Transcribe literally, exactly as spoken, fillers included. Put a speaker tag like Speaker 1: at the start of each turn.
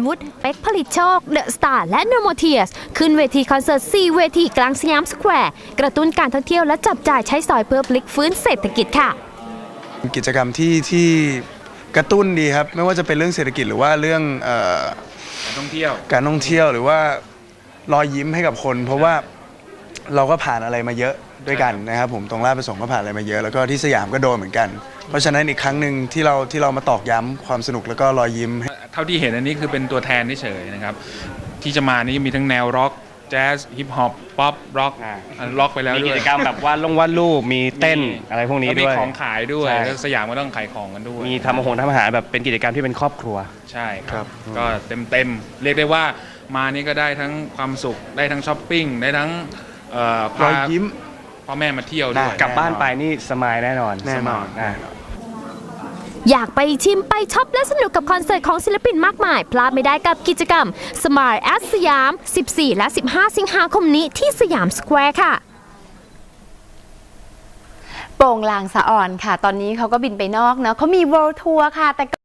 Speaker 1: วุฒิเป๊กผลิตโชคเดอะสตาร์และโนโมเทียสขึ้นเวทีคอนเสิร์ตสี่เวทีกลางสยามสแควร์กระตุ้นการท่องเที่ยวและจับจ่ายใช้สอยเพื่อพลิกฟื้นเศรษฐกิจค่ะ
Speaker 2: กิจกรรมที่ที่กระตุ้นดีครับไม่ว่าจะเป็นเรื่องเศรษฐกิจหรือว่าเรื่องเอ่อ
Speaker 3: การท่องเที่ยว
Speaker 2: การท่องเที่ยวหรือว่ารอยยิ้มให้กับคนเพราะว่าเราก็ผ่านอะไรมาเยอะด้วยกันนะครับผมตรงราชประสงค์ก็ผ่านอะไรมาเยอะแล้วก็ที่สยามก็โดนเหมือนกันเพราะฉะนั้นอีกครั้งหนึ่งที่เราที่เรามาตอกย้ำความสนุกแล้วก็รอยยิ้ม
Speaker 3: เท่าที่เห็นอันนี้คือเป็นตัวแทนเฉยๆนะครับที่จะมานี่มีทั้งแนวร็อกแจ๊สฮิปฮอปป๊อปร็อกร็อกไปแล้วด้วย
Speaker 4: มีกิจกรรมแบบวาดลงวาดรูปมีเต้นอะไรพวกนี้ด้วย
Speaker 3: มีของขายด้วยสยามก็ต้องขายของกันด้วย
Speaker 4: มีทำอาหารทำอาหารแบบเป็นกิจกรรมที่เป็นครอบครัว
Speaker 3: ใช่ครับก็เต็มๆเรียกได้ว่ามานี่ก็ได้ทั้งความสุขได้ทั้งช้อปปิ้งได้ทั้ง
Speaker 2: รอยยิ้ม
Speaker 3: พ่อแม่มาเที่ยวด้วย
Speaker 4: กลับบ้านไปนี่สมายแน่นอน
Speaker 2: แน่นอน
Speaker 1: อยากไปชิมไปช็อปและสนุกกับคอนเสิร์ตของศิลปินมากมายพลาดไม่ได้กับกิจกรรม Smile at สยาม สิบสี่ และ สิบห้า สิงหาคมนี้ที่สยามสแควร์ค่ะ
Speaker 5: โป่งลางสะอ่อนค่ะตอนนี้เขาก็บินไปนอกเนาะเขามี World Tour ค่ะแต่